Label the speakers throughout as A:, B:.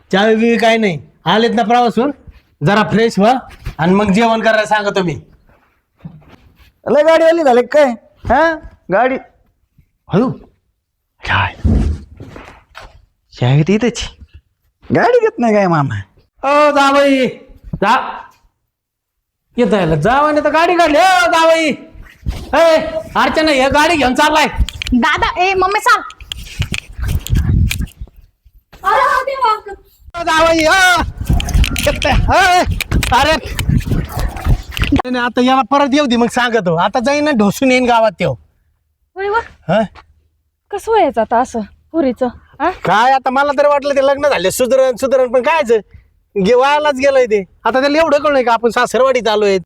A: चावी बिवी काय नाही. आलेत ना प्रवासून, जरा फ्रेश व्हा आणि मग जेवण करायला सांगतो मी.
B: लय गाडीवाली झाले काय? हा गाडी
A: हळू
B: काय शाळेत इथेच गाडी घेत नाही काय मामा?
A: ओ जावई जा येत जावाने तर गाडी काढली. ओ जावई ए अर्चना हे गाडी घेऊन चाललाय.
C: दादा ए मम्मी चाल.
A: ओ जावई अरे नाही, आता याला परत येऊ दे मग सांगतो. आता जाईन ना ढोसून येईन गावात तेव. हा
C: कसं व्हायचं आता असं पुरीचं?
A: काय आता मला तरी वाटलं ते लग्न झाले सुधरण सुधरण, पण कायच वायालाच गेलंय ते. आता त्याला एवढं कळलंय का आपण सासरवाडीत आलोय.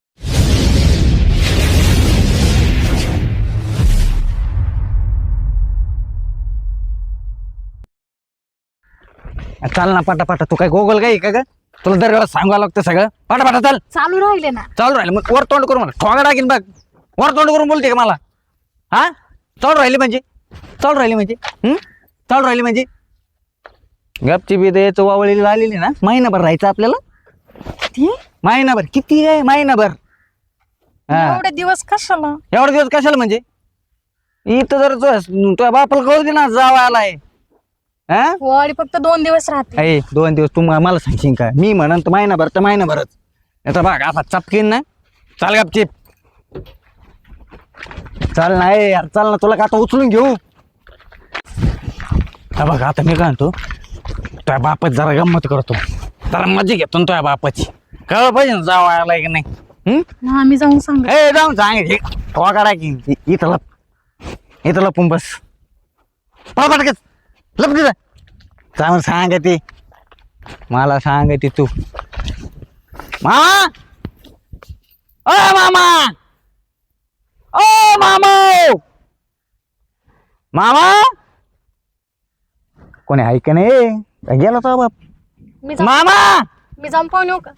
B: चाल ना पाटा तू काय गोगल काय का ग? तुला दर सांगावं लागतं सगळं. पाटा चाल.
C: चालू राहिले ना.
B: चालू राहिले मग वर तोंड करून मला ठोगा टाकीन बघ. वर तोंड करून बोलते का मला? हा चालू राहिले म्हणजे चालू राहिले म्हणजे गपची बी द्यायचं वावळीला आलेली ना. महिनाभर राहायचं आपल्याला. महिनाभर किती आहे? महिनाभर. हा
C: एवढे दिवस कशाला?
B: एवढे दिवस कशाला म्हणजे? इथं जर तुझ्या बापाला कळू दे ना जावा आलाय. हा
C: वाडी फक्त 2 दिवस राहते.
B: 2 दिवस तू मला सांगशील का? मी म्हणन तर महिनाभर तर महिनाभरच. आता बघ असा चपकीन ना. चाल गपचिप चाल ना यार चाल ना. तुला का आता उचलून घेऊ? हा बघ आता मी काय म्हणतो, तुझ्या बापाची जरा गंमत करतो. जरा मजा घेतो ना तुझ्या बापाची. कळ पाहिजे ना जावा आलाय की नाही.
C: आम्ही जाऊन सांग.
B: जाऊन सांग ठोका काढा की इथं लपून बस. पटकच लप तिथं चांगलं सांग ती. मला सांग ती तू. मामा ओ मामा ओ मामा मामा कोणी आहे का नाही? गेला तो बाप. मामा
C: मी जाऊन पाहून येऊ का?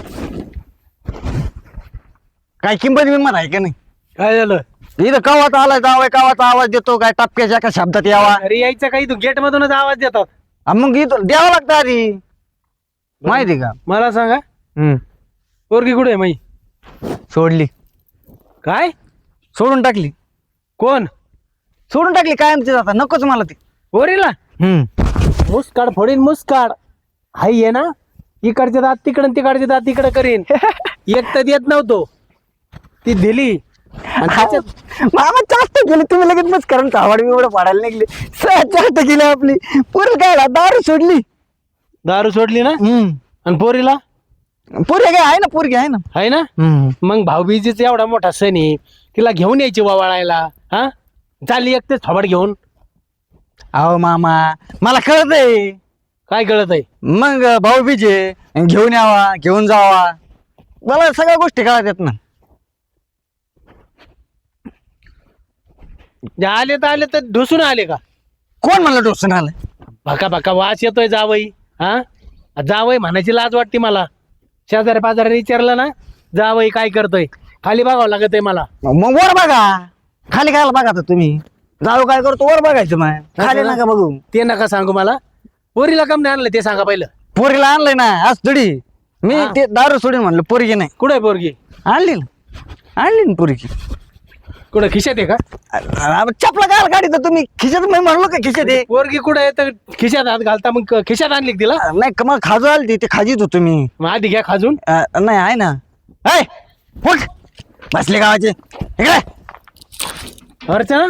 B: काय किंमत बिंमत आहे का नाही?
A: काय झालं?
B: इथं कवात आलाय जावाय कावाचा आवाज देतो काय टपक्याच्या एका शब्दात यावा.
A: अरे यायचं काही तू गेट मधूनच आवाज देतात.
B: मग इथं द्यावं लागतं आधी माहिती का?
A: मला सांगा पोरगी कुठे आहे माई?
B: सोडली.
A: काय
B: सोडून टाकली.
A: कोण
B: सोडून टाकली कायमची आता नकोच मला ती.
A: पोरीला मुस्काड फोडीन मुस्काड. हाय आहे ना, इकडचे दात तिकडे तिकडचे दात तिकडे करीन. एक तर देत नव्हतो, ती दिली. आणि त्याच्यात
B: मामा चाष्ट केली तुम्ही लगेच मस्त कारण कावड बिवड पाडायला निघली. चाष्ट केली आपली. पुरी काय दारू सोडली.
A: दारू सोडली ना. आणि पोरीला
B: पुरी काय आहे ना पोरगी आहे ना.
A: आहे ना. मग भाऊबीजीचा एवढा मोठा सण आहे, तिला घेऊन यायची वावाळायला. हा चालली एकटेच थोबड घेऊन.
B: अहो मामा मला कळत आहे.
A: काय कळत आहे?
B: मग भाऊ बीजे घेऊन यावा घेऊन जावा मला सगळ्या गोष्टी कळत आहेत ना.
A: आले तर ढोसून आले का?
B: कोण म्हणलं डोसून आलं?
A: भका भका वास येतोय जावई. हा जावई म्हणायची लाज वाटते मला. शेजारी पाजारी विचारलं ना जावई काय करतोय, खाली बघावं लागत आहे मला.
B: मग वर बघा. खाली खायला बघा तर तुम्ही. जाऊ काय करतो वर बघायचं मग खाली नका बघू.
A: ते नका सांगू मला. पोरीला कम नाही आणलं ते सांगा पहिलं.
B: पोरीला आणलंय ना आज थोडी. मी ते दारू सोडून म्हणलं पोरगी नाही.
A: कुठे आहे पोरगी?
B: आणली ना पोरगी.
A: कुठं खिशात आहे का?
B: चपला काय गाडी तर तुम्ही खिशात मी म्हणलो का खिशात आहे.
A: पोरगी कुठे आहे तर खिशात हात घालता, मग खिशात आणली का तिला?
B: नाही का मग खाजू आली ते खाजीत होतो मी.
A: मग आधी घ्या खाजून.
B: नाही आहे ना. फुट बसले गावाचे इकडे.
A: अर्चना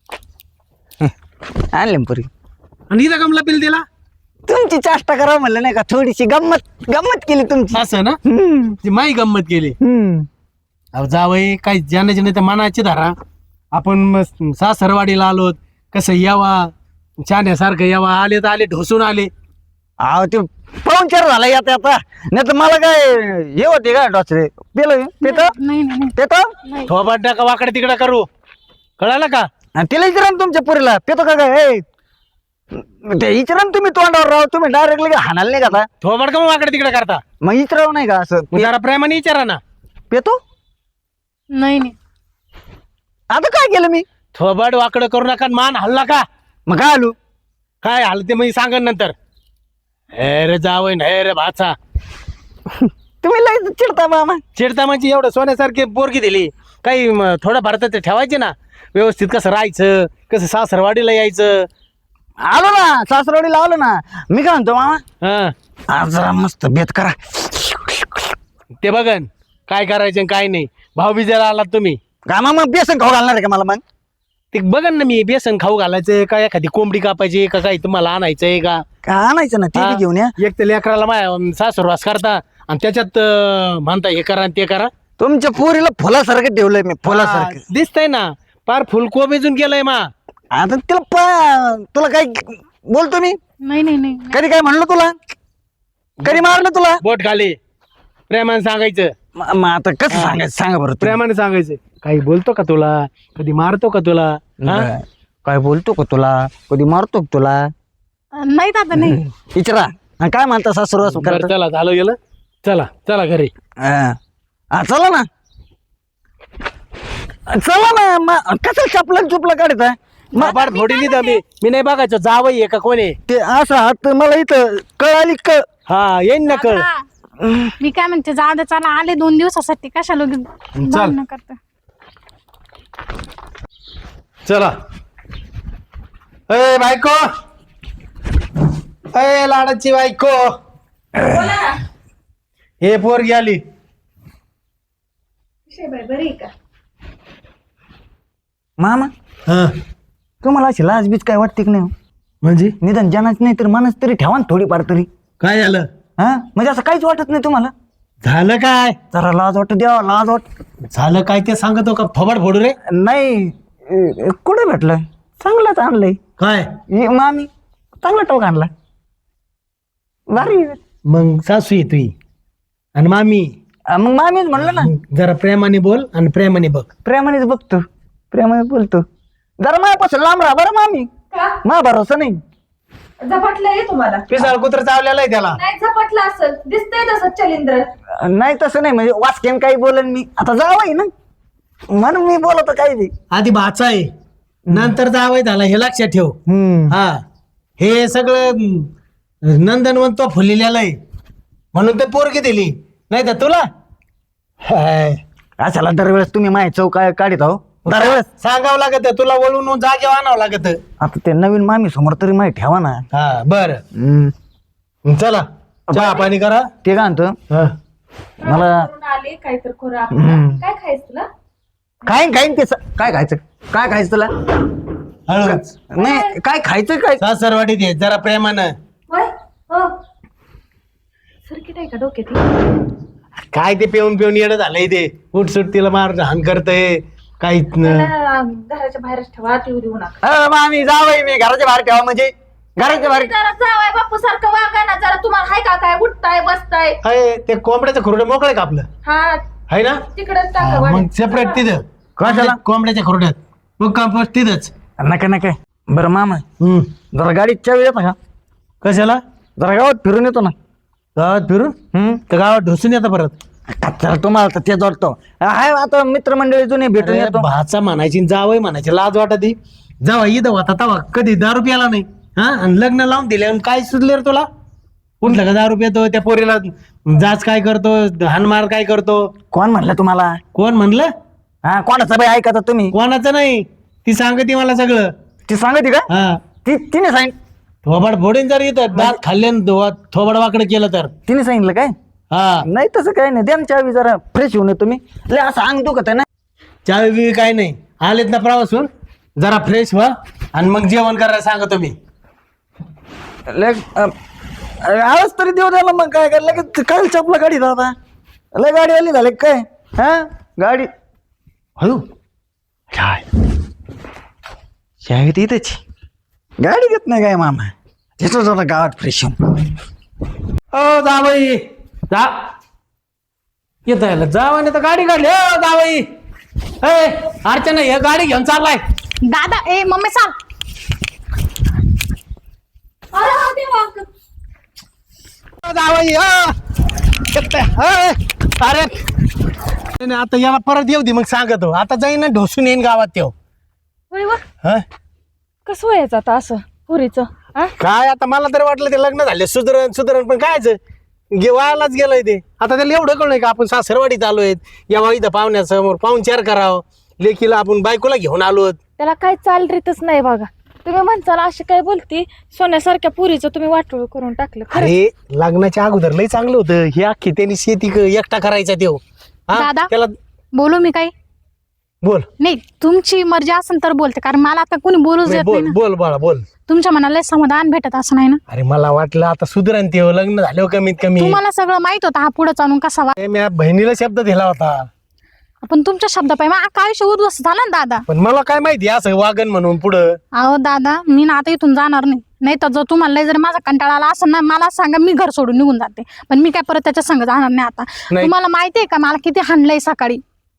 B: आणले पोरगी.
A: आणि इथं कमला पिल दिला.
B: तुमची चाष्टा करा म्हणलं नाही का, थोडीशी गंमत केली तुमची.
A: असं ना. ती माई गंमत केली. अहो जावई काय ज्याने ज्याने तर मनाची धरा. आपण सासरवाडीला आलो, कसं यावा छान्यासारखं यावा. आले तर आले ढोसून आले.
B: अहो ते पाहुणचार झाला आता आता. नाही तर मला काय हे होते का डॉक्टर पेतो
C: नाही.
A: थोबाट टाका वाकडे तिकडे करू. कळालं का?
B: तिला विचारा ना तुमच्या पुरीला पेतो का काय. ते विचारा ना तुम्ही तोंडावर राव. तुम्ही डायरेक्टली हाणाल नाही का?
A: थोबाट का मग वाकडे तिकडे करता?
B: मग विचारावं नाही का असं
A: जरा प्रेमाने विचारा ना.
B: पेतो.
C: नाही
B: आता काय केलं मी?
A: थोबाट वाकडं करू नका. मान हल्ला का?
B: मग काय आलो
A: काय हलते मग सांगा नंतर. हे रे जावई हे रे भाचा.
B: तुम्ही लय चिडता मामा.
A: चिडता म्हणजे एवढं सोन्यासारखी पोरगी दिली, काही थोडं भारतात ठेवायचे ना, व्यवस्थित कसं राहायचं, कसं सासरवाडीला यायचं.
B: आलो ना सासरवाडीला आलो ना. मी काय म्हणतो मामा,
A: हा
B: आज जरा मस्त बेत करा.
A: ते बघन काय करायचं आणि काय नाही. भाऊबीजेला आलात तुम्ही,
B: का मामा बेसन खाऊ घालणार आहे का मला मग?
A: ते बघन ना मी, बेसन खाऊ घालायचं का, एखादी कोंबडी कापायची का, काही तुम्हाला आणायचंय का.
B: का आणायचं ना, ते बी घेऊन या.
A: एक तर लेकराला माया सासरवास करता आणि त्याच्यात म्हणता हे करा आणि ते करा.
B: तुमच्या पोरीला फुलासारखं ठेवलंय मी, फुलासारखं.
A: दिसतंय ना, पार फुलको बेजून केलंय मा.
B: आता तुला काय बोलतो मी?
C: नाही नाही नाही
B: कधी काय म्हणलं तुला? कधी मारलं तुला?
A: बोट खाली प्रेमाने सांगायचं.
B: मग आता कसं सांगायचं सांगा बरं तुम्ही.
A: प्रेमाने सांगायचं. काही बोलतो का तुला, कधी मारतो का तुला, हा?
B: काय बोलतो का तुला, कधी मारतो का तुला?
C: नाही दादा नाही.
B: विचारा. आणि काय म्हणता सासुरवास
A: बरं,
B: करता?
A: चला झालं गेलं. चला चला घरी.
B: चला ना, चला ना. कसं चपला चुपला काढता?
A: बाबा थोडी लिहिता मी नाही बघायचो जावई आहे का कोण आहे.
B: ते असं हात मला इथं कळ आली कळ.
A: हा येईन ना कळ.
C: दादा, मी काय म्हणते, जाऊ दे, चला आले 2 दिवसासाठी, कशाला भांडणं करता.
A: चला. ए बायको, ए लाडाची बायको, हे पोरगी आली.
B: मामा
A: हा
B: तुम्हाला अशी लाजबीज काय वाटते की नाही?
A: म्हणजे
B: निदान जनाच नाही तर मनच तरी ठेवा ना थोडीफार तरी.
A: काय झालं?
B: हा म्हणजे असं काहीच वाटत नाही तुम्हाला?
A: झालं काय?
B: जरा लाज वाटत द्यावा, लाज वाट.
A: झालं काय ते सांगतो का फबाड फोडू रे.
B: नाही कुठे भेटलं? चांगलाच आणलंय.
A: काय
B: मामी चांगला टोक आणला, भारी आहे.
A: मग सासू आहे तुई आणि मामी.
B: मग मामीच म्हणलं ना,
A: जरा प्रेमाने बोल आणि प्रेमाने बघ.
B: प्रेमानेच बघतो, प्रेमाने बोलतो. जरा माझ्यापासून लांब राहा बरं मामी. मा भरोसा नाही.
D: झपटलंय तुम्हाला?
A: पिसाळ कुत्र चावलेलं आहे त्याला.
D: नाही झपटलं असं दिसतंय तसं चलिंद्र.
B: नाही तसं नाही, म्हणजे वाचकेन काही बोलन मी. आता जावं ना म्हणून मी बोलतो काही नाही.
A: आधी भाचा आहे, नंतर जावई झाला, हे लक्षात ठेव. हा हे सगळं नंदनवन तो फुललेला आहे म्हणून ते पोरगी दिली, नाही तर तुला
B: अशाला दरवेळेस तुम्ही माय चौक काढित आहो दरवेळेस.
A: सांगावं लागत, तुला वळून जागेवर आणावं लागत.
B: आता ते नवीन मामी समोर तरी माहिती ठेवा ना.
A: हा बर चला चहा पाणी करा.
B: ते काय म्हणतो
A: हा.
B: मला
D: करून आले काहीतरी करू आपण. काय खायचं तुला?
B: काय खाईन ते काय खायचं, काय खायचं तुला?
A: हळूच
B: नाही काय खायचं काय?
A: सासरवाडीत ये जरा प्रेमानं.
D: होय हो सर्किट आहे का डोक्यात?
A: काय ते पिऊन पिऊन येणं झालंय ते. उठसूट तिला मार हान करतय काहीच
D: त्याला घराच्या बाहेरच ठेवा, येऊ देऊ नका.
B: मामी जावई मी घराच्या बाहेर ठेवा म्हणजे घराच्या बाहेर.
D: जरा जावाय बापू सारखं वागा ना जरा. तुम्हाला हाय का काय उठताय बसताय?
A: आहे ते कोंबड्याचं खुरडं मोकळं का आपलं
D: हा
A: आहे ना.
D: तिकडच टाका
A: हा,
D: वाडीत.
A: मग सेपरेट तिथं
B: कशाला?
A: कोंबड्याच्या खुरड्यात मग कंपोस्ट तिथंच.
B: नका नका. बरं मामा जरा गाडीत चावी येतो का?
A: कशाला?
B: जरा गावात फिरून येतो ना.
A: गावात फिरून तर गावात ढोसून येतं परत.
B: चला तुम्हाला तर तेच वाटतो. हाय आता मित्रमंडळी जुने भेटून
A: अरे,
B: येतो.
A: भाचा म्हणायची जावई म्हणायची लाज वाटत जावा इथं होता तवा कधी 10 रुपयाला नाही. हा आणि लग्न लावून दिले आणि काय सुचले रे तुला? उठलं का 10 रुपये तो त्या पोरीला जाच काय करतो, हानमार काय करतो.
B: कोण म्हणलं तुम्हाला?
A: कोण म्हणलं?
B: हा कोणाचा बाई ऐका तुम्ही?
A: कोणाचं नाही, ती सांगते मला सगळं.
B: ती सांगते का?
A: हा
B: तिने सांग.
A: थोबाड फोडीन जर इथं दात खाल्ले थोबाड वाकडं केलं तर.
B: तिने सांगितलं काय?
A: हा
B: नाही तसं काही नाही. द्या ना चावी जरा फ्रेश होऊन तुम्ही. लय असं अंग दुखत आहे ना.
A: चावी बी काय नाही. आलेत ना प्रवासून जरा फ्रेश व्हा आणि मग जेवण करायला सांगतो मी.
B: लय आवाज तरी देऊ द्याला मग काय करायला लगेच काय चपला गाडी दादा. लय गाडी आली झाली काय? हा गाडी हळू काय चावी इथेच गाडी घेत नाही काय मामा. तिथं जरा गावात फ्रेश होऊन.
A: ओ जावई जा येत जावाने तर गाडी काढली. ओ जावई ए अर्चना हे गाडी घेऊन चाललाय.
C: दादा ए मम्मी सांग.
D: अरे हा देवा.
A: ओ जावई अरे नाही, आता याला परत येऊ दे मग सांगतो. आता जाईन ना ढोसून येईन गावात तेव.
D: होय वा.
A: हा
D: कसं व्हायचं आता असं पुरीचं?
A: काय आता मला तरी वाटलं ते लग्न झाले सुधरण पण कायच वायालाच गेलंय ते. आता त्याला एवढं कळलंय का आपण सासरवाडीत आलोय, यावा इथं पाहुण्यासमोर पाहुणचार करावं, लेकीला आपण बायकोला घेऊन आलोत.
D: त्याला काय चाल रीतच नाही बघा. तुम्ही म्हणताल अशी काय बोलती, सोन्यासारख्या पुरीचं तुम्ही वाटोळ करून टाकलं. खरंच.
A: अरे लग्नाच्या अगोदर लय चांगलं होतं. हे अख्खी त्यांनी शेती एकटा करायचा देव.
C: दादा.
A: त्याला
C: बोलू मी काही
A: बोल
C: नाही, तुमची मर्जी असेल तर बोलते, कारण मला आता कोणी बोलूच
A: नाही,
C: देत नाही
A: बोल
C: ना.
A: बोल बाळा बोल.
C: तुमच्या मनाला समाधान भेटत असं नाही ना.
A: अरे मला वाटलं आता सुधरण ते लग्न झालं कमीत कमी.
C: तुम्हाला सगळं माहित होतं हा पुढे चालून कसा
A: मी बहिणीला शब्द दिला होता,
C: पण तुमच्या शब्दापायी मग आयुष्य उद्ध्वस्त झालं ना दादा.
A: पण मला काय माहिती असं वागण म्हणून पुढं.
C: अहो दादा, मी ना आता इथून जाणार नाही तर जर तुम्हाला लय जर माझा कंटाळा आला असं ना, मला सांगा, मी घर सोडून निघून जाते. पण मी काय परत त्याच्या संग जाणार नाही आता.
A: नाही.
C: तुम्हाला माहितीये का मला किती हाणलंय सकाळी.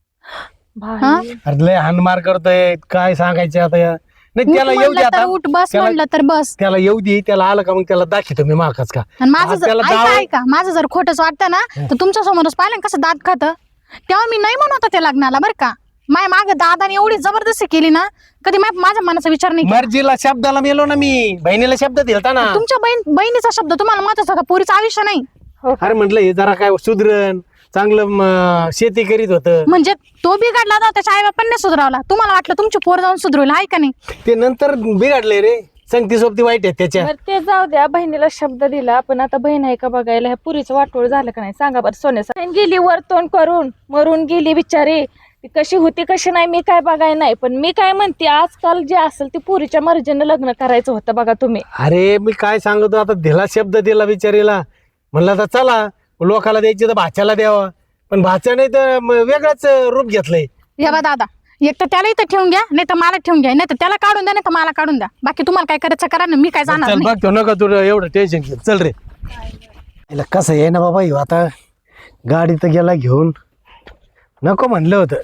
C: हा?
A: अरे लय हानमार करतोय, काय सांगायचं आता नाही.
C: उठ
A: त्याला येऊ दे
C: म्हणलं तर
A: आता,
C: उठ, बस
A: त्याला-
C: म्हणलं तर बस.
A: त्याला येऊ दे. त्याला आलं का मग त्याला दाखवतो मी माकाच का.
C: आणि माझं
A: आज
C: जर
A: त्याला
C: ऐका
A: जावं-
C: ऐका, माझं जर खोटंच वाटतं ना तर तुमच्या समोरच पाहिलं ना कसं दात खातं. तेव्हा मी नाही म्हणत होते लग्नाला, बरं का. माय मागे दादाने एवढी जबरदस्ती केली ना, कधी माझ्या मनाचा विचार नाही केला.
A: मर्जीला शब्दाला मेलो ना मी, बहिणीला शब्द दिलता ना.
C: तुमच्या बहिणीचा शब्द तुम्हाला महत्वाचा होता, पोरीचं आयुष्य नाही.
A: अरे म्हटलं हे जरा काय सुधरण, चांगलं शेती करीत होतं.
C: म्हणजे तो बिघडला ना, त्याच्या आई बापांनी सुधारवला. तुम्हाला वाटलं तुमची पोर जाऊन सुधरवलं आहे का नाही.
A: ते नंतर बिघडले रे. संगती सोबती वाईट आहे त्याच्या.
D: बरं ते जाऊ द्या, बहिणीला शब्द दिला, पण आता बहीण आहे का बघायला, ह्या पुरीचं वाटोळ झालं का नाही सांगा बरं. सोन्यासारखी गेली वर तोंड करून, मरून गेली बिचारी. ती कशी होती कशी नाही मी काय बघाय नाही, पण मी काय म्हणते, आजकाल जे असेल ते पुरीच्या मर्जीनं लग्न करायचं होतं बघा तुम्ही.
A: अरे मी काय सांगतो आता, दिला शब्द दिला बिचारीला. म्हणलं आता चला लोकाला द्यायची तर भाच्याला द्यावा, पण भाच्या नाही तर वेगळंच रूप घेतलंय.
C: हे बा दादा, एक तर त्याला इथं ठेवून घ्या, नाही तर मला ठेवून घ्या, नाही तर त्याला काढून द्या, नाही तर मला काढून द्या. बाकी तुम्हाला काय करायचं करा ना, मी काय जाणार
A: चल
C: नाही.
A: बघ तो नका तुला एवढं टेन्शन घे. चल रे. याला कसं आहे ना बाबा, ह्यो आता गाडी तर गेला घेऊन, नको म्हणलं होतं.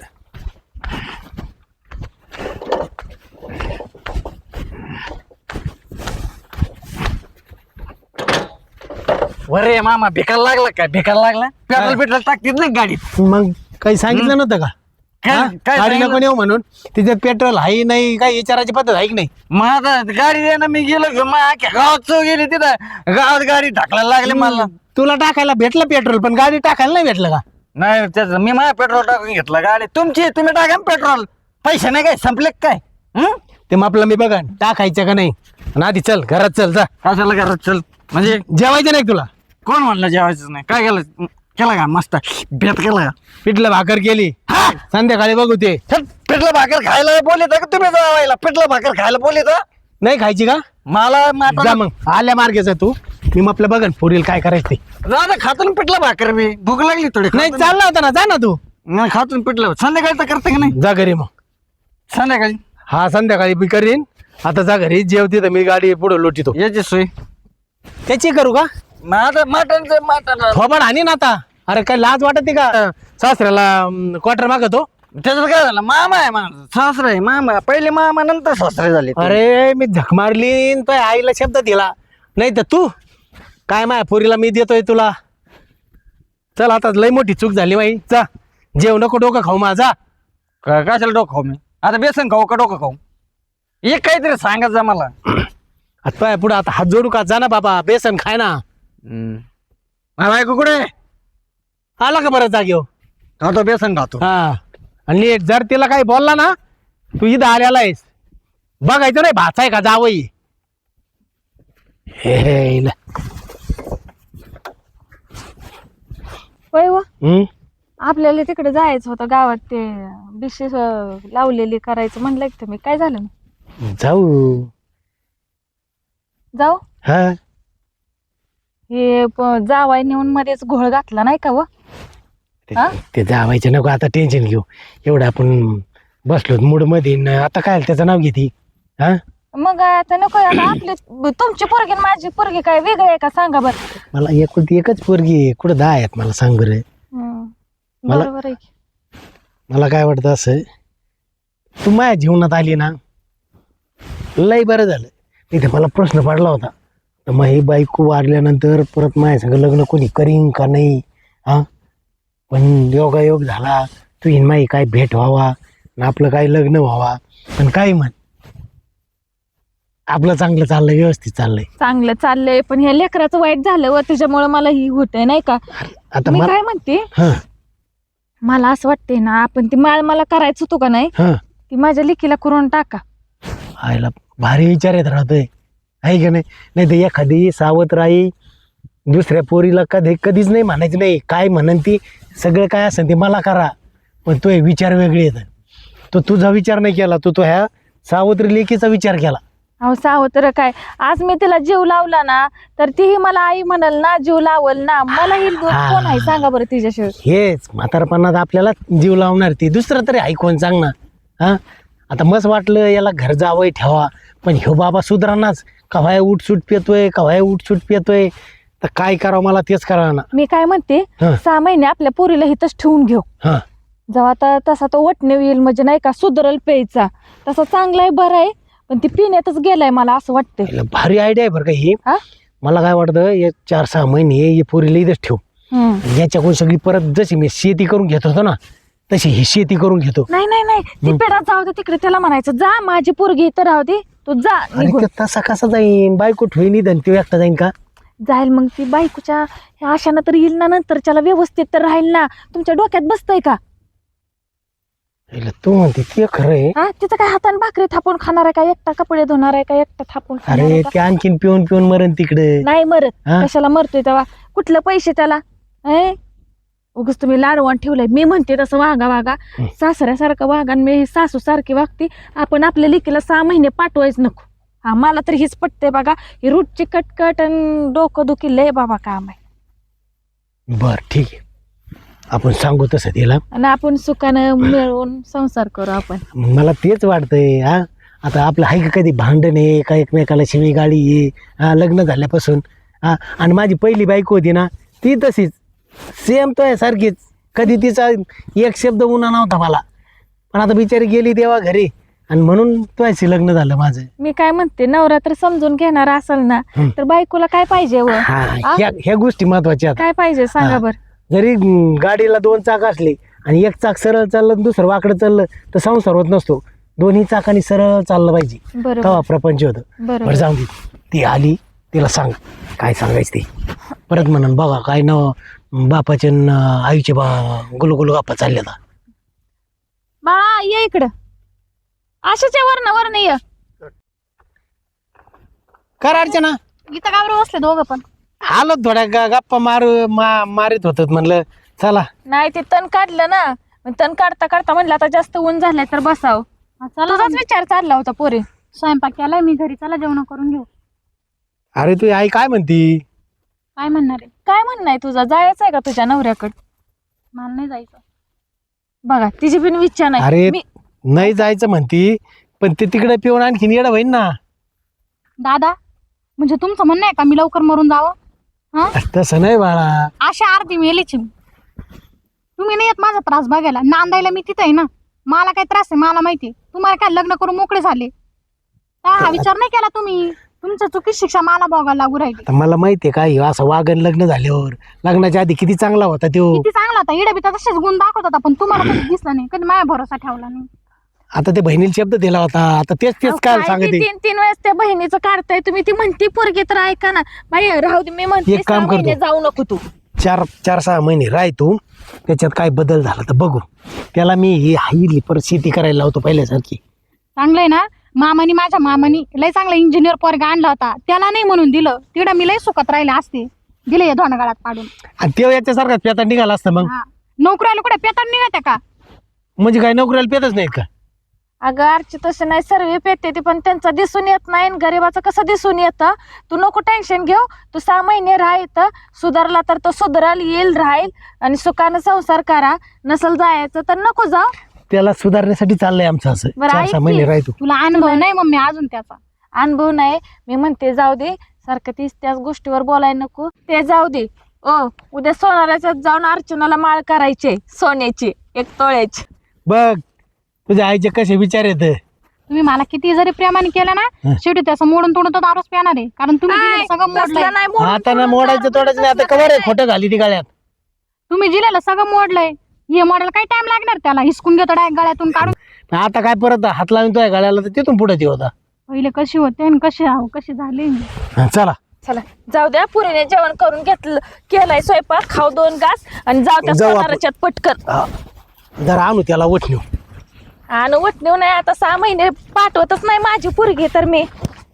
B: वरे मामा भिकायला लागला काय? भिकायला लागला? पेट्रोल टाकतील ना गाडीत.
A: मग काही सांगितलं नव्हतं का?
B: काय-
A: हा?
B: काय
A: गाडी
B: सांगितलं?
A: नको नेऊ म्हणून. तिच्यात पेट्रोल आहे नाही, काही विचारायची पद्धत आहे की नाही.
B: मग आता गाडी दे ना, मी गेलो घेऊन, मग अख्ख्या गावात चौ गेली तिथं, गावात गाडी टाकायला लागली मला.
A: तुला टाकायला भेटलं पेट्रोल, पण गाडी टाकायला नाही भेटलं का?
B: नाही त्याचं मी माझ्या पेट्रोल टाकून घेतलं. गाडी तुमची, तुम्ही टाका ना पेट्रोल. पैसे नाही काय संपले का काय? हं?
A: ते मग आपलं मी बघा टाकायचं का नाही. आणि आधी चल घरात चल, जा.
B: कशाला घरात चल म्हणजे?
A: जेवायचं नाही तुला.
B: कोण म्हणलं जेवायचं नाही? काय केलं? केला का मस्त बेत केला का?
A: पिठलं भाकर केली, संध्याकाळी बघू ते.
B: चल, पिठलं भाकर खायला बोलत का तुम्ही? जावायला पिठलं भाकर खायला बोलत?
A: नाही खायची का?
B: मला
A: जा मग आल्या मार्गेचा तू. मी आपलं बघन पुरील काय करायचं ते.
B: दादा खातो ना पिठलं भाकर, मी भूक लागली थोडी.
A: नाही चालला होता ना, जा ना तू.
B: नाही खातो ना पिठलं. संध्याकाळी तर करते का नाही?
A: जा घरी मग.
B: संध्याकाळी
A: हा संध्याकाळी मी करीन. आता जा घरी, जेवते तर मी गाडी पुढे लोटीतो.
B: याची सोय.
A: त्याची करू का?
B: मग आता मटण
A: थोबाड आणि ना आता. अरे काय लाज वाटते का सासऱ्याला क्वार्टर मागतो?
B: त्याच्यात काय झालं? मामा आहे माझा, सासरा आहे. मामा पहिले मामा, नंतर सासरे झाले.
A: अरे मी झक मारली, तो आईला शब्द दिला नाही तर तू काय माया पोरीला मी देतोय तुला. चल आता लय मोठी चूक झाली माई. जा जेव, नको डोकं खाऊ माझा.
B: कशाला डोकं खाऊ मी? आता बेसन खाऊ का डोकं खाऊ? एक काहीतरी सांगत जा मला.
A: आता पुढे आता हात जोडू का? जा ना बाबा, बेसन खाय ना.
B: माझा बायको कुठे?
A: आला का बरं जागेव?
B: खातो बेसन खातो.
A: हा आणि नीट जर तिला काही बोलला ना, तू इथं आलेला आहेस, बघायचं नाही भाचा आहे का जावई. हे इला.
D: होय व,
A: हम्म?
D: आपल्याला तिकडे जायचं होतं गावात, ते बिशी लावलेली करायचं म्हणलं की तुम्ही, काय झालं मग?
A: जाऊ.
D: जाऊ.
A: हा
D: हे जावाय नेऊन मध्येच घोळ घातला नाही का व? हा?
A: ते जावायचं नको आता, टेन्शन घेऊ. एवढं आपण बसलो मूड मध्ये न आता काय त्याचं नाव घेते. हा
D: मग आता नको आता आपले, तुमची पोरगी आणि माझी पोरगी काय वेगळी आहे का सांगा बरं.
A: मला एकच पोरगी आहे, कुठं 10 आहेत मला सांग बरं. मला-
D: बरोबर आहे की.
A: मला काय वाटतं असं, तू माझ्या जीवनात आली ना, लय बरं झालं. इथे मला प्रश्न पडला होता, तर मग ही बायको वारल्यानंतर परत माझ्या संग लग्न कोणी करीन का नाही. हा पण योगायोग झाला, तू इन माई काय भेट व्हावा आणि आपलं काय लग्न व्हावा. पण काय म्हण, आपलं चांगलं चाललंय, व्यवस्थित चाललंय.
D: चांगलं चाललंय, पण ह्या लेकराचं वाईट झालं व त्याच्यामुळे मला ही होतंय नाही का.
A: आता
D: मी
A: मला
D: काय म्हणते,
A: हा
D: मला असं वाटतंय ना, आपण ती माळ मला करायचं होतं का नाही,
A: हा
D: ती माझ्या लेकीला करून टाका.
A: आईला भारी विचार येत राहतोय, आहे का नाही? नाही तर एखादी सावत्र आई दुसऱ्या पोरीला कधीच नाही म्हणायचं नाही, काय म्हणन ती सगळं काय असेल ते मला करा, पण तो विचार वेगळे येत. तो तुझा विचार नाही केला, तो ह्या सावत्र लेकीचा विचार केला.
D: अहो सावत्र काय, आज मी तिला जीव लावला ना, तर तीही मला आई म्हणल ना, जीव लावल ना. मला ही कोण आहे सांगा बरं तिच्याशिवाय.
A: हेच म्हातारपणात आपल्याला जीव लावणार ती, दुसरं तरी ऐकून सांग ना. हा आता मस्त वाटलं याला घर जावं ठेवा, पण ह्यो बाबा सुधरानाच, कव्हाय उठसूट पेतोय, कव्हाय उठसूट पेतोय, तर काय करावं मला तेच करा ना.
D: मी काय म्हणते,
A: हं.
D: 6 महिने आपल्या पोरीला हिथंच ठेवून घेऊ.
A: हा
D: जेव्हा आता तसा तो वटणे येईल, म्हणजे नाही का सुधरल प्यायचा, तसा चांगला आहे, बरं आहे, पण ती पिण्यातच गेलाय मला असं वाटतंय.
A: याला भारी आयडिया आहे बरं का ही.
D: हा?
A: मला काय वाटतं, हे 4-6 महिने हे पोरीला इथंच ठेव,
D: हम्म.
A: याच्याकडून सगळी परत जशी मी शेती करून घेत होतो ना, तशी ही शेती करून घेतो.
D: नाही नाही नाही, ती पेढात जाऊ दे तिकडे, त्याला म्हणायचं जा माझी पोरगी इथं राहू दे, तू जा
A: अरे
D: निघून.
A: ते तसा कसा जाईन, बायको ठेवी निधन तो एकटा जाईन का?
D: जाईल मग ती बायकोच्या ह्या आशानं तर येईल ना, नंतर त्याला व्यवस्थित तर राहील ना. तुमच्या डोक्यात बसतंय का?
A: याला तू म्हणते ते खरं आहे.
D: हा, तिचं काय हाताने भाकरी थापून खाणार आहे का, एकटा कपडे धुणार आहे का, एकटा थापून खाणार
A: अरे
D: आहे का?
A: ते आणखीन पिऊन पिऊन मरण तिकडे.
D: नाही मरत,
A: हा?
D: कशाला मरतोय तेव्हा, कुठलं पैसे त्याला. उगच तुम्ही लाडवण ठेवलंय. मी म्हणते तसं वागा, सासऱ्यासारखं वागा, आणि मी सासू सारखी वागते. आपण आपल्या लेकीला 6 महिने पाठवायच नको. हा, मला तर हेच पटतंय बघा, ही रूटची कटकट आणि डोकं दुखी लय बाबा काम आहे.
A: बर ठीक आहे, आपण सांगू तसं तिला.
D: आणि आपण सुखानं मिळून संसार करू आपण.
A: मला तेच वाटतंय. हा आता आपलं आहे का कधी भांडण आहे का, एकमेकाला शिवी गाडी आहे? हा लग्न झाल्यापासून. हा आणि माझी पहिली बायको होती ना, ती तशीच सेम तो आहे सारखीच, कधी तिचा एक शब्द उन्हा नव्हता मला. पण आता बिचारी गेली तेव्हा घरी, आणि म्हणून तुझ्याशी लग्न झालं माझं.
D: मी काय म्हणते, नवरा तर समजून घेणार असेल ना, तर बायकोला काय पाहिजे व?
A: हा ह्या गोष्टी महत्वाच्या आहेत.
D: काय पाहिजे सांगा बर.
A: जरी गाडीला 2 चाक असले आणि एक चाक सरळ चाललं आणि दुसरं वाकडं चाललं तर संसार होत नसतो. दोन्ही चाकांनी सरळ चाललं पाहिजे,
D: बरोबर
A: तेव्हा प्रपंच होतं.
D: बरोबर.
A: बरं जाऊन दे, ती आली, तिला सांग काय सांगायचं ते. परत म्हणून बघा काय न बापाचे न आईचे गुलगुल गप्पा चालल्या आता.
D: बाळा ये इकडं, अशाच वरण ये.
A: कर अर्चना,
C: इथं का बरं बसले दोघं पण?
A: आलो थोड्या गप्पा मारित होत, म्हणलं चला.
D: नाही ते तण काढलं ना, मग तण काढता काढता म्हणलं आता जास्त ऊन झालंय तर बसाव.
C: हा, चला
D: तुझाच विचार चालला होता पोरे.
C: स्वयंपाक केलाय मी घरी, चला जेवण करून घेऊ.
A: अरे तू आई काय म्हणती?
C: काय म्हणणार आहे?
D: काय म्हणणं आहे तुझा, जायचं आहे का तुझ्या नवऱ्याकडे?
C: मला नाही जायचं.
D: बघा तिची पण इच्छा नाही.
A: अरे
D: मी
A: नाही जायचं म्हणती, पण ते तिकडे पिऊन आणखीन येडं होईन ना.
C: दादा, म्हणजे तुमचं म्हणणं आहे का मी लवकर मरून जावं? हा,
A: तसं नाही बाळा.
C: अशा अर्धी मेलीची मी. तुम्ही नाही येत माझा त्रास बघायला, नांदायला मी तिथे आहे ना. मला काय त्रास आहे मला माहिती. तुम्हाला काय लग्न करून मोकळे झाले हा विचार नाही केला तुम्ही? तुमच्या चुकीची शिक्षा मला बघायला लागू राहिली.
A: आता मला माहितीये काय असं वागण लग्न झाल्यावर, लग्नाच्या आधी किती चांगला होता तो.
C: किती चांगला होता, इडे बी तसेच गुण दाखवत होता, पण तुम्हाला कधी दिसला नाही, कधी माझ्या भरोसा ठेवला नाही.
A: आता ते बहिणीला शब्द दिला होता, आता तेच
D: अहो,
A: काय
D: काय
A: सांगते.
D: ती 3 वेळेस त्या बहिणीचं काढताय तुम्ही. ती म्हणती पोरगी तर ऐका ना बाई, राहू दे. मी म्हणते
A: एक काम
D: 6 महिने
A: करतो.
D: जाऊ नको तू.
A: 4-6 महिने राह तू, त्याच्यात काय बदल झाला तर बघू. त्याला मी ही हाईली परत शेती करायला लावतो पहिल्यासारखी.
C: चांगलंय ना, माझ्या मामानी लय चांगला इंजिनियर पोरगा आणला होता, त्याला नाही म्हणून दिलं. तिकडं मी लय सुखात राहिले असते, दिले या धोंडगाळात पाडून.
A: आणि तेव्हा याच्यासारखा पेता निघाला असतं मग.
C: हा, नोकऱ्याला कुठे पेताड निघत का?
A: म्हणजे काय नोकरीला पेतच नाहीत का?
D: अगं आरची तसं नाही, सर्व पेते ती, पण त्यांचं दिसून येत नाही. गरीबाचं कसं दिसून येतं? तू नको टेन्शन घेऊ. तू 6 महिने राह इथं, सुधारला तर तो सुधाराल, येईल, राहील आणि सुखानं संसार करा. नसल जायचं तर नको जाऊ.
A: त्याला सुधारण्यासाठी चाललंय आमचं असं.
D: बरं,
A: 4-6
D: ऐक
A: महिने
D: की.
A: राह तू.
C: तुला अनुभव नाही मम्मी अजून त्याचा?
D: अनुभव नाही, मी म्हणते जाऊ दे. सारखं तीच त्याच गोष्टीवर बोलायला नको. ते जाऊ दे. उद्या सोनाराच्यात जाऊन अर्चनाला माळ करायचे सोन्याची 1 तोळ्याची.
A: बघ तुझ्या आईचे कसे विचार येत.
C: तुम्ही मला किती जरी प्रेमाने केलं ना, शेवटी त्याचं मोडून तोडून तो दारूच पिणार आहे. कारण तुम्ही दिलेलं सगळं मोडलंय.
D: तसलं नाही, मोडून
A: आता ना
D: तोडून
A: मोडायचं
D: दारू
A: तोडायचं नाही. आता
D: तसलं
A: कवर आहे
D: काय
A: खोटं घाली ती गाळ्यात.
C: तुम्ही दिलेलं सगळं मोडलंय. हे मॉडेल काही टाइम लागणार त्याला, हिसकून घेतो डायरेक्ट गळ्यातून काढून.
A: आता काय परत हात लावून तो गळ्याला तर तिथून पुढे ते होता.
C: पहिले कशी होते आणि कशी झाले.
A: चला
D: चला जाऊ द्या, पुरीने जेवण करून घेतलं, केलाय स्वयंपाक, खाऊ 2 घास आणि जाऊ त्या
A: जाऊ आपण.
D: सोनाराच्यात पटकन.
A: जरा आणू त्याला वठणू.
D: आणि वटणीव नाही, आता 6 महिने पाठवतच नाही माझी पुरगी तर मी.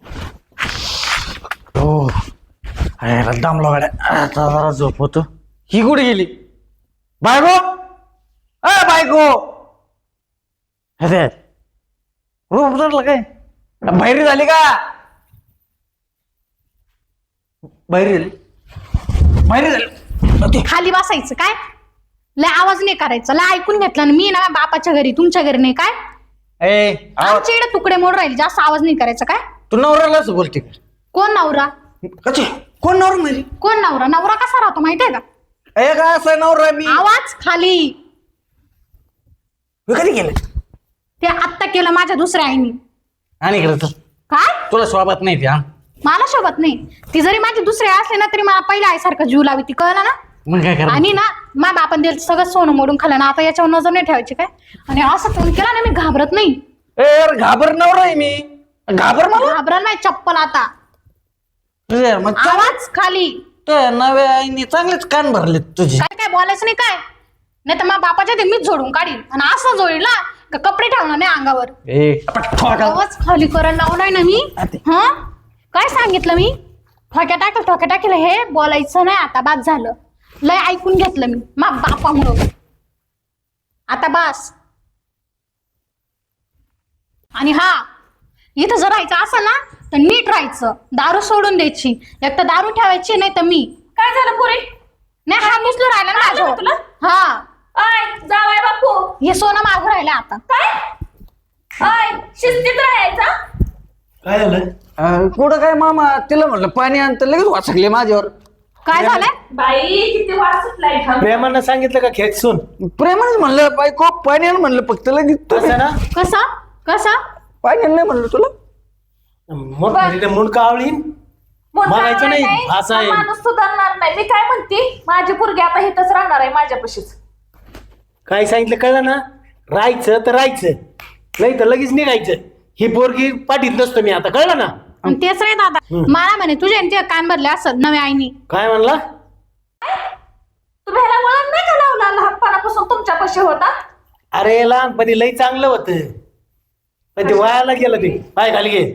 B: हो अरे दामला गाड्या, आता जरा झोप होतो. ही कुठे गेली? बायको, अ बायको, अरे रूप उतरलं काय? बाहेर झाली का? बाहेर झाली, बाहेर झाली.
C: खाली बसायचं काय, लय आवाज नाही करायचा, लय ऐकून घेतला ना मी ना बापाच्या घरी, तुमच्या घरी नाही काय.
B: ए
C: आमच्या इकडे तुकडे मोड राहील, जास्त आवाज नाही करायचा काय.
B: तू नवऱ्यालाच बोलते का?
C: कोण नवरा?
B: कधी कोण नवरा माझी?
C: कोण नवरा? नवरा कसा राहतो माहितीये का?
B: ए का असं नवरा मी?
C: आवाज खाली.
B: मी कधी केलं?
C: ते आत्ता केलं माझ्या दुसऱ्या आईनी.
B: आणि इकडे तर
C: काय
B: तुला स्वागत नाही ते. हा
C: मला सोबत नाही, ती जरी माझी दुसरी असली ना तरी मला पहिल्या आईसारखं जीव लावी, ती कळलं ना.
B: मग काय करा?
C: आणि ना माझ्या बापान दिलं सगळं सोनं मोडून खाल्लं ना, आता याच्यावर नजर नाही ठेवायची काय. आणि असं फोन केला ना मी घाबरत नाही.
B: ए यार घाबर नवरा आहे मी, घाबर मला.
C: घाबरत नाही चप्पल आता.
B: अरे यार, मग
C: आवाज खाली.
B: त्या नव्या आईने चांगलेच कान भरले तुझे.
C: काय काय बोलायचं नाही काय, नाही तर माझ्या बापाच्या ते मीच झोडून काढीन. आणि असं जोडील ना का कपडे ठेवणार नाही अंगावर. आवाज खाली करायला लावलाय ना मी. हा काय सांगितलं मी? ठोक्या टाकेल हे बोलायचं नाही आता, बाद झालं. लय ऐकून घेतलं मी मा बापामुळं. आता बास. आणि हा इथं जर राहायचं असं ना तर नीट राहायचं, दारू सोडून द्यायची. एक तर दारू ठेवायची नाही तर मी.
D: काय झालं पुरी?
C: नाही हा मुसलो राहिला ना
D: आलं
C: माझ्यावर.
D: का तुला?
C: हा
D: आय जावाय बापू,
C: हे सोनं मागून राहिलं आता.
D: काय आय शिस्तीत राहायचा.
A: काय झालं?
B: कुठं काय मामा, तिला म्हणलं पाणी आणतं लगेच वाचकले माझ्यावर.
C: काय झालंय?
D: बाई किती वास सुटलाय घाम.
A: प्रेमानं सांगितलं का खेचून?
B: प्रेमानेच म्हणलं बायको पाणी आण म्हणलं, फक्त लगेच
A: कसं ना
C: कसा कसा
B: पाणी आण नाही म्हणलं तुला.
A: मग मुंडका आवळीन बघायचं नाही, असं आहे.
D: माणूस सुधारणार नाही. मी काय म्हणते, माझी पोरगी आता इथंच राहणार आहे माझ्यापाशीच.
A: काय सांगितलं कळलं ना? राहायचं तर राहायचं, नाही तर लगेच निघायचं. ही पोरगी पाठीत नसतो मी आता, कळलं ना?
C: आणि तेच रे दादा, मला म्हणे तुझ्या आणि तुझ्या कान भरले असत नव्या आईनी.
A: काय म्हणला?
D: तुम्ही ह्याला वळण नाही का लावला? लहानपणापासून तुमच्यापाशी होता.
A: अरे लहानपणी लई चांगलं होतं, पण ते वायाला गेलं. ते पाय खाली घे.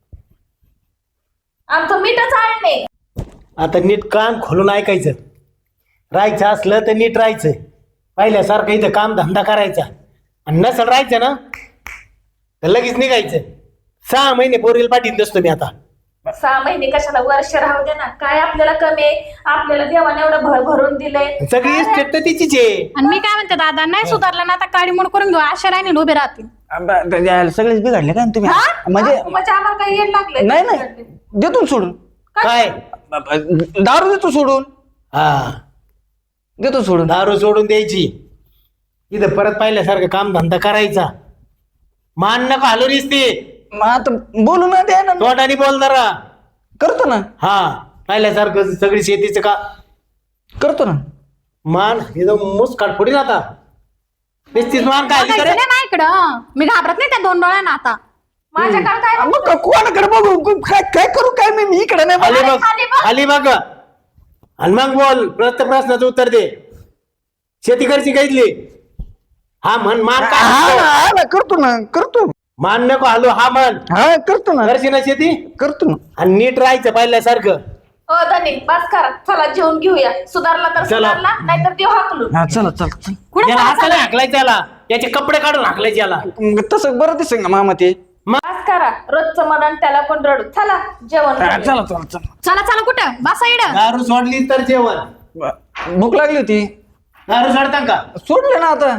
D: आमचं मीठच आणणे.
A: आता नीट कान खोलून ऐकायचं. राहायचं असलं तर नीट राहायचं, पहिल्यासारखं इथं काम धंदा करायचा. आणि नसल राहायचं ना तर लगेच निघायचं. 6 महिने पोरीला पाठीत नसतो मी आता.
D: 6 महिने कशाला, वर्ष राहू दे ना. काय आपल्याला कमी आहे? आपल्याला देवाने एवढं भरून दिलंय.
A: सगळी इस्टेट तर तिचीच आहे.
C: आणि मी काय म्हणते दादा, नाही सुधारलं ना आता काळी मोड करून घेऊ, अशा राहिनी उभे राहतील.
B: सगळेच बिघडले काय तुम्ही? म्हणजे
D: म्हणजे आम्हाला काही येड लागले.
B: नाही नाही, देतो ना सोडून.
A: काय?
B: दारू देतो सोडून.
A: हा,
B: देतो सोडून.
A: दारू सोडून द्यायची, इथं परत पाहिल्यासारखं काम धंदा करायचा. मान नका हलू दिसते,
B: मग आता बोलू ना, द्या ना.
A: तोंडाने बोल जरा.
B: करतो ना,
A: हा, पाहिल्यासारखं सगळी शेतीचं का
B: करतो ना.
A: मान इथं मुसकाट फोडीन आता. नुसतीच मान काय
C: बघायचं नाही ना इकडं, मी घाबरत नाही त्या 2 डोळ्यांना आता.
D: माझ्याकडे काय
B: मग कोणाकडे बघू? काय काय करू? काय मी इकडे नाही
A: खाली
B: बघ.
A: बघ, खाली बघ. आणि मग बोल, प्रश्नाचं उत्तर दे. शेती करची घेतली? हा म्हण. मान
B: हा
A: काय?
B: हा ना, करतो ना, करतो.
A: मान नको हलू, हा म्हण.
B: हा करतो ना,
A: करशी ना शेती?
B: करतो ना.
A: आणि नीट राहायचं पाहिल्यासारखं.
D: धनी बस करा, चला जेवून घेऊया. सुधारला तर
A: चला.
D: सुधारला, नाहीतर देव हाकलून.
B: हा चला चला चल.
C: कुठे
A: याला हाताने हाकलायचं, याला याचे कपडे काढून हाकलायचे याला.
B: मग तसं बरं दिसेल ना मामा ते.
D: बस करा, रोजचं मरण त्याला कोण रडू. चला जेवण
B: हा,
D: करूया.
B: चला चला चला.
C: चला चला कुठं बसा इकडं.
A: दारू सोडली तर जेवण.
B: भूक लागली होती,
A: दारू सोडता का?
B: सोडले ना आता.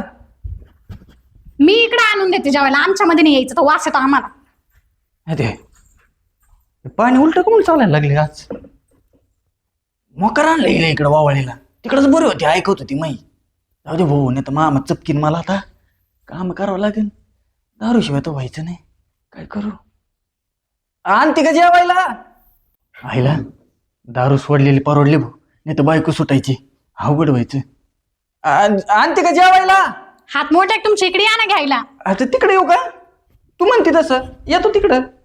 C: मी इकडे आणून देते जेवायला, आमच्या मध्ये नाही यायचं, तो वास येतो आम्हाला.
B: अरे पाणी उलट कमून चालायला लागले आज. मोकर आणलं इकडे वावळीला, तिकडच बरी होती, ऐकत होती माई. जाऊ दे भाऊ, नाही तर मामा चपकीन मला. आता काम करावं लागेल, दारू शिवाय तर व्हायचं नाही. काय करू? आणते का जेवायला? आईला दारू सोडलेली परवडली भाऊ, नाही तर बायको सुटायची, अवघड व्हायचं. आणते का जेवायला?
C: हात मोठे तुमच्या इकडे या ना घ्यायला.
B: आता तिकडे येऊ का? तू म्हणते तसं येतो तिकडं.